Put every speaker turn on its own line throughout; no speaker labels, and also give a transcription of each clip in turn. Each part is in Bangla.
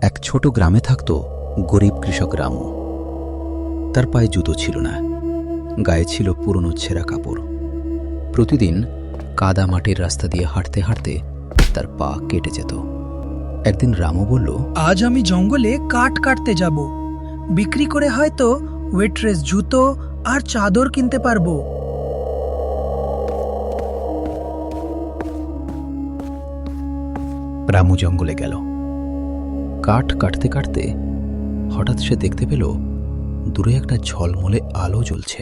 এক ছোট গ্রামে থাকত গরিব কৃষক রামু। তার পায়ে জুতো ছিল না, গায়ে ছিল পুরনো ছেঁড়া কাপড়। প্রতিদিন কাদা মাটির রাস্তা দিয়ে হাঁটতে হাঁটতে তার পা কেটে যেত। একদিন রামু বলল,
আজ আমি জঙ্গলে কাঠ কাটতে যাব, বিক্রি করে হয়তো ওয়েট্রেস জুতো আর চাদর কিনতে পারবো।
রামু জঙ্গলে গেল। কাঠ কাটতে কাটতে হঠাৎ সে দেখতে পেল দূরে একটা ঝলমলে আলো জ্বলছে।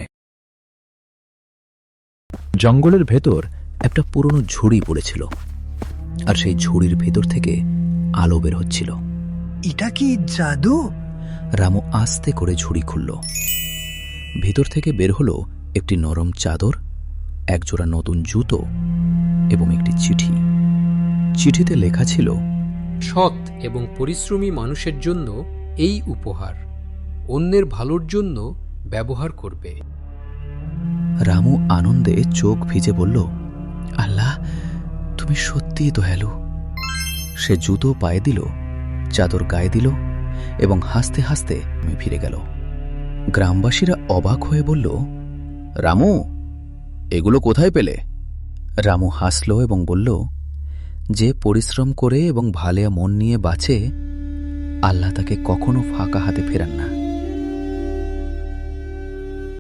জঙ্গলের ভেতর একটা পুরনো ঝুড়ি পড়েছিল, আর সেই ঝুড়ির ভেতর থেকে আলো বের হচ্ছিল।
এটা কি জাদু?
রামু আস্তে করে ঝুড়ি খুলল। ভেতর থেকে বের হলো একটি নরম চাদর, একজোড়া নতুন জুতো এবং একটি চিঠি। চিঠিতে লেখা ছিল,
সৎ এবং পরিশ্রমী মানুষের জন্য এই উপহার, অন্যের ভালোর জন্য ব্যবহার করবে।
রামু আনন্দে চোখ ভিজে বলল, আল্লাহ, তুমি সত্যিই দয়ালু। সে জুতো পায়ে দিল, চাদর গায়ে দিল এবং হাসতে হাসতে ফিরে গেল। গ্রামবাসীরা অবাক হয়ে বলল, রামু, এগুলো কোথায় পেলে? রামু হাসল এবং বলল, যে পরিশ্রম করে এবং ভালো মন নিয়ে বাঁচে, আল্লাহ তাকে কখনো ফাঁকা হাতে ফেরান না।